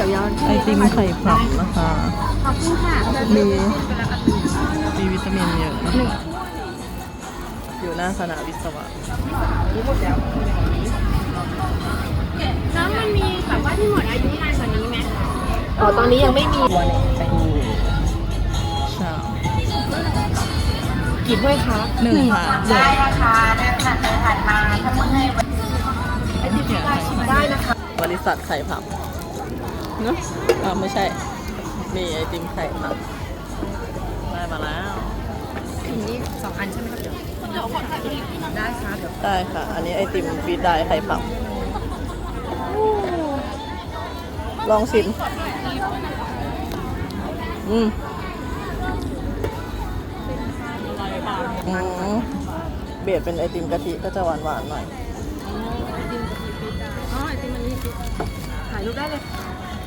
ไอติมไข่ผับนะคะขอบคุณค่ะมีวิตามินเยอะนะคะอยู่หน้าคณะวิศวะแล้วมันมีแบบว่าที่หมดอายุนานกว่านี้ไหมอ๋อตอนนี้ยังไม่มีชากี่ถ้วยคะหนึ่งค่ะได้นะคะเดินผ่านไปผ่านมาถ้าเมื่อยได้นะคะบริษัทไข่ผับเนอะไม่ใช่ มีไอติมไข่ผับได้มาแล้วอันนี้2 อันใช่ไหมครับเดี๋ยวได้ค่ะเดี๋ยวได้ค่ะ อันนี้ไอติมฟีดได้ไข่ผับ ลองชิมอืมเบียดเป็นไอติมกะทิก็จะหวานๆหน่อยอ๋อไอติมอันนี้ถ่ายรูปได้เลย